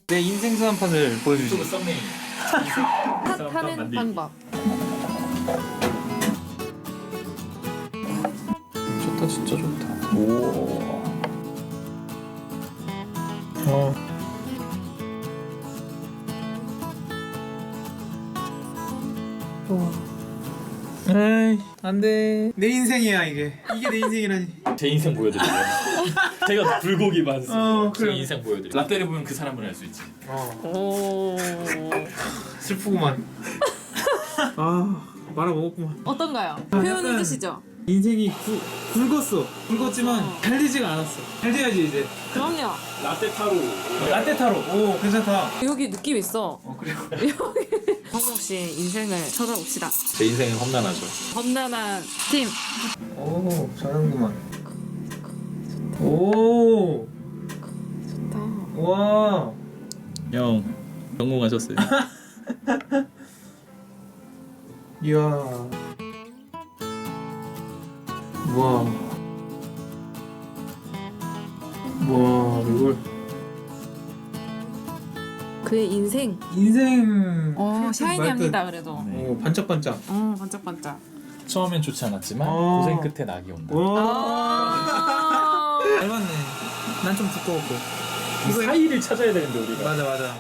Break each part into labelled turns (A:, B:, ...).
A: 내 인생 수한판을 보여주지.
B: 유튜브 썸네일.
C: 탓하는 방법.
A: 좋다, 진짜 좋다. 오. 에이, 안 돼. 내 인생이야, 이게. 이게 내 인생이라니.
B: 제 인생 보여드릴게요. 제가 불고기 반스. 제
A: 그래.
B: 인생 보여드릴게요. 라떼를 보면 그 사람을 알 수 있지.
C: 오.
A: 슬프구만. 말아먹었구만.
C: 어떤가요?
A: 약간-
C: 표현해 주시죠.
A: 인생이 굵었어. 굵었지만 잘 되지가 않았어. 잘 돼야지, 이제.
C: 그럼요.
B: 라떼 타로.
A: 라떼 타로. 오, 괜찮다.
C: 여기 느낌 있어.
A: 그래요.
C: 황정 씨의 인생을 쳐다봅시다.
B: 제 인생은 험난하죠.
C: 험난한 팀.
A: 오, 잘하는구만. 오,
C: 좋다.
A: 와.
B: 형 성공하셨어요.
A: 이야. 와. 와, 이걸
C: 그의 인생.
A: 인생.
C: 샤이니합니다 그래도.
B: 네.
A: 오, 반짝반짝.
C: 반짝반짝.
B: 처음엔 좋지 않았지만
A: 어.
B: 고생 끝에 낙이 온다.
C: 아.
A: 닮았네. 난 좀 두꺼웠고.
B: 이 사이를 찾아야 되는데 우리가.
A: 맞아.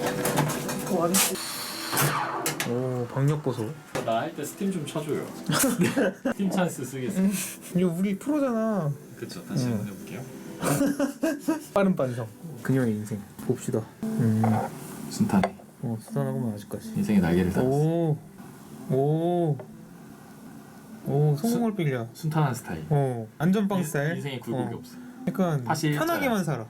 A: 오, 박력 보소.
B: 나 할 때 스팀 좀 쳐줘요. 스팀 찬스 쓰겠습니다.
A: 이거 우리 프로잖아.
B: 그쵸. 다시 한번 해볼게요.
A: 빠른 반성. 그녀의 인생 봅시다.
B: 순탄해.
A: 수단하고만 아직까지.
B: 인생의 날개를 달았어.
A: 오, 성공을 빌려.
B: 순탄한 스타일.
A: 안전빵 스타일.
B: 인생에 굴곡이 없어.
A: 약간
B: 사실
A: 편하게만 살아.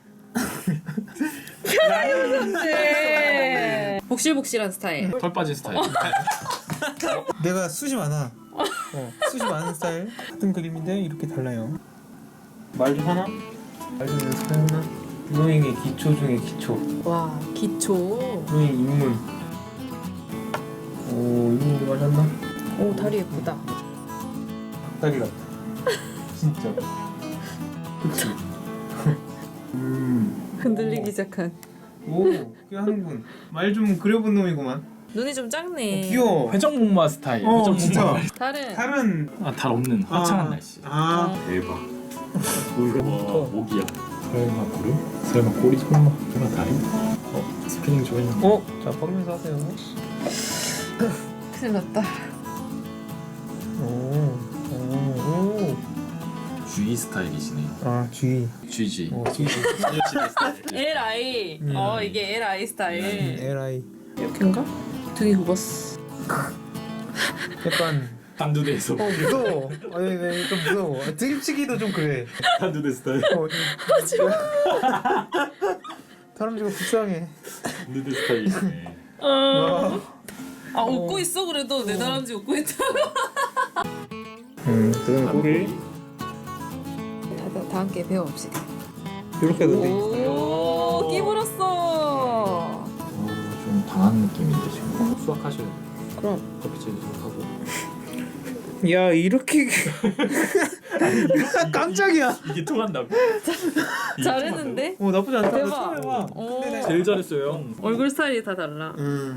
C: 네. 복실복실한 스타일.
B: 털 빠진 스타일.
A: 내가 숱이 많아. 숱이 많은 스타일. 같은 그림인데 이렇게 달라요. 말 좀 하나? 말 좀 연습해나? 드로잉의 기초 중에 기초.
C: 와 기초.
A: 드로잉 입문. 오, 이거 맞았나?
C: 오 다리 예쁘다.
A: 닭다리 같다. 진짜. 그치?
C: 흔들리기 시작한.
A: 오, 꽤 하는군. 말 좀 그려본 놈이구만.
C: 눈이 좀 작네.
A: 귀여워.
B: 회전목마 스타일.
A: 진짜.
C: 다른.
A: 다른.
B: 달 없는 화창한 날씨. 대박. 와 목이야. 설마 구름? 설마 꼬리? 설마 다리? 스피닝 좀 했는데.
A: 자, 뻗으면서 하세요.
C: 큰일 났다.
A: 오.
B: G 스타일이시네.
A: G.
B: GG.
A: G.
C: LI. 이게 LI 스타일.
A: LI.
C: 이렇게인가? 등이 굽었어.
A: 약간.
B: 단두대에서.
A: 무서워. 아니, 좀 무서워. 등치기도 좀 그래.
B: 단두대 스타일.
A: 다람쥐가 불쌍해.
B: 단두대 스타일이시네.
C: 웃고 있어 그래도 내 다람쥐 웃고 있다.
A: 그다음에 꼬리.
C: 다 함께 배워봅시다.
A: 이렇게 해도 돼.
C: 오 끼물었어.
B: 좀 당한 느낌인데 지금. 수학하셔야 돼요.
C: 그럼.
B: 커피채도 좀 하고.
A: 야, 이렇게. 깜짝이야.
B: 이게 통한다고?
C: 잘했는데?
A: 나쁘지 않다.
C: 대박.
A: 처음 해봐.
B: 제일 잘했어요 형.
C: 얼굴 스타일이 다 달라.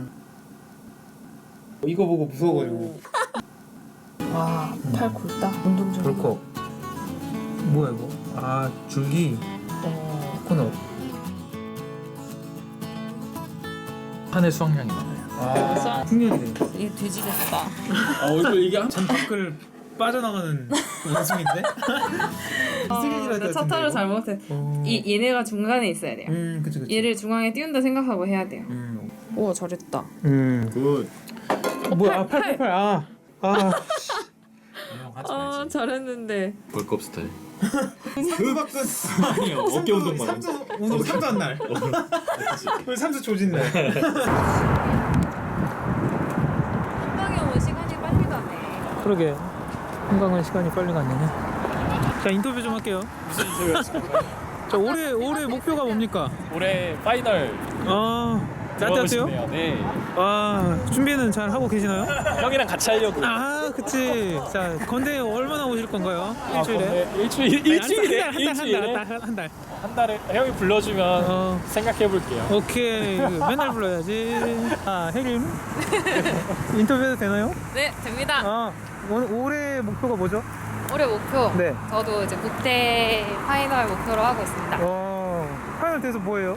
A: 이거 보고 무서워가지고.
C: 와, 팔 굵다. 운동 좀.
A: 벌컥. 뭐야 이거? 줄기. 코너.
B: 한해 수확량이 많아요.
A: 풍년이네.
C: 이게 돼지 같다.
B: 얼굴 이게
A: 잔밖을 빠져나가는 원숭인데?
C: 나 차타를 잘못해. 얘네가 중간에 있어야 돼요.
A: 그치.
C: 얘를 중앙에 띄운다 생각하고 해야 돼요. 우와 잘했다.
B: 굿.
A: 뭐야? 팔.
B: 형 하지 말지.
C: 잘했는데.
B: 벌컵 스타일.
A: 삼두박근.
B: 아니요 어깨 운동만.
A: 오늘 삼두한 날. 오늘 삼두 조진 날.
C: 한강에 오면 시간이 빨리 가네.
A: 그러게. 한강은 시간이 빨리 가네. 자, 인터뷰 좀 할게요.
B: 무슨 인터뷰 하실까요?
A: 자, 올해 목표가 뭡니까?
B: 올해 파이널
A: 나한테
B: 싶네요. 네.
A: 아, 준비는 잘 하고 계시나요?
B: 형이랑 같이 하려고.
A: 아, 그치. 자, 건대 얼마나 오실 건가요?
B: 아,
A: 일주일에?
B: 근데 일주일에
A: 한 달.
B: 한 달에 형이 불러주면 생각해 볼게요.
A: 오케이. 맨날 불러야지. 아, 혜림. 인터뷰해도 되나요?
C: 네, 됩니다.
A: 아, 올해 목표가 뭐죠?
C: 올해 목표.
A: 네.
C: 저도 이제 국대 파이널 목표로 하고 있습니다.
A: 파이널 돼서 뭐예요?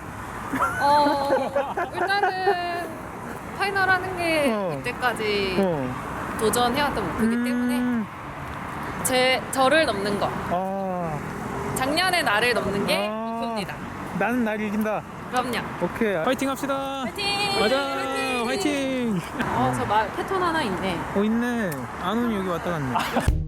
C: 일단은 파이널 하는 게 이때까지 도전해왔던 목표이기 때문에 저를 넘는 거. 작년의 나를 넘는 게 목표입니다.
A: 나는 날 이긴다.
C: 그럼요.
A: 오케이. 화이팅 합시다.
C: 화이팅!
A: 맞아. 화이팅.
C: 저 패턴 하나 있네.
A: 있네. 안훈이 여기 왔다 갔네.